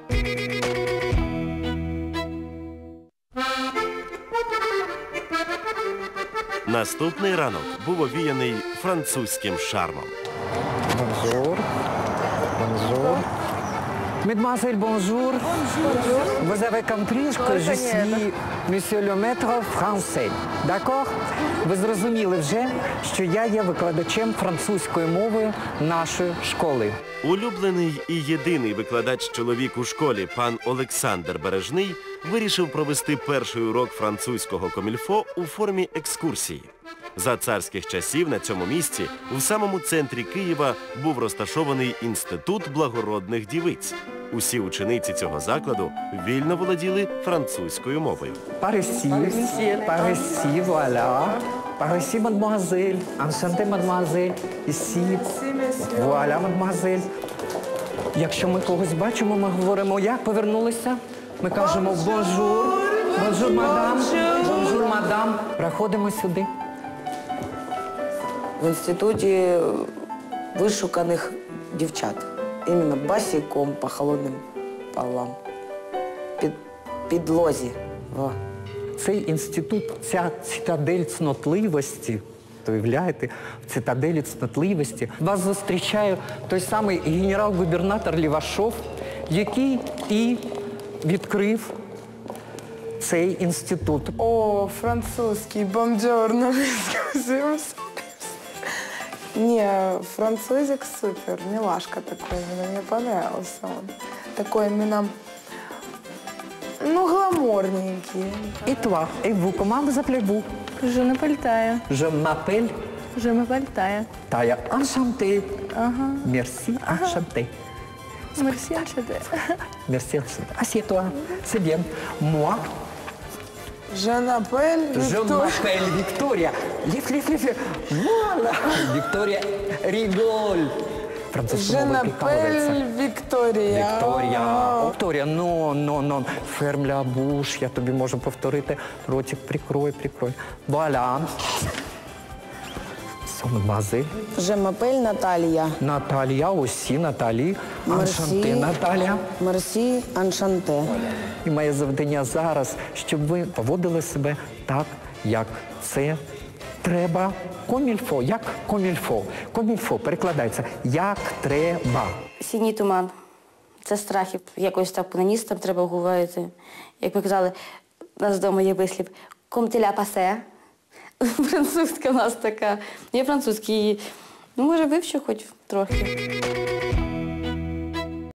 Наступний ранок був овіяний французьким шармом. Bonjour. Bonjour. Mademoiselle, bonjour. Vous avez compris que je suis monsieur le maître français. D'accord? Ви зрозуміли вже, що я є викладачем французької мови нашої школи. Улюблений і єдиний викладач-чоловік у школі, пан Олександр Бережний, вирішив провести перший урок французького комільфо у формі екскурсії. За царських часів на цьому місці, у самому центрі Києва, був розташований інститут благородних дівиць. Усі учениці цього закладу вільно володіли французькою мовою. Парисі, парисі, вуаля. Парисі, мадемуазель. Аншанте, мадемуазель. Ісі. Вуаля, мадемуазель. Якщо ми когось бачимо, ми говоримо, як повернулися. Ми кажемо бонжур, бонжур, мадам, бонжур, мадам. Проходимо сюди. В інституті вишуканих дівчат. Іменно босиком по холодним полам. Підлозі. О. Цей інститут, ця цитадель цнотливості, уявляєте, в цитаделі цнотливості вас зустрічає той самий генерал-губернатор Лівашов, який і відкрив цей інститут. О, французский, бонжорно. Не, французик супер, милашка такой, мне понравился он. Такой именно, ну, гламурненький. Et toi, et vous, comment vous appelez-vous? Je m'appelle Taya. Je m'appelle Je m'appelle Taya. Taya. Enchanté. Merci, enchanté. Merci, enchanté. Merci, enchanté. Assieds-toi, c'est bien. Moi, Je m'appelle je m'appelle Victoria. Лиф. Voilà. Victoria rigole. Французькою Je мовою прикалується. m'appelle Виктория. Вікторія, ну, ferme la bouche, я тобі можу повторити. Ротик прикрой. Voilà. Мадемуазель. Je m'appelle Наталія. Наталія, усі, Наталі. Аншанте, Наталія. Мерсі, аншанте. І моє завдання зараз, щоб ви поводили себе так, як це треба. Комільфо, як комільфо. Комільфо перекладається як треба. Синій туман. Це страхів. Якось так по-наністам треба говорити. Як ви казали, у нас вдома є вислів «Комтеля пасе». Французька у нас така. Я французький, ну, може, вивчу хоч трохи.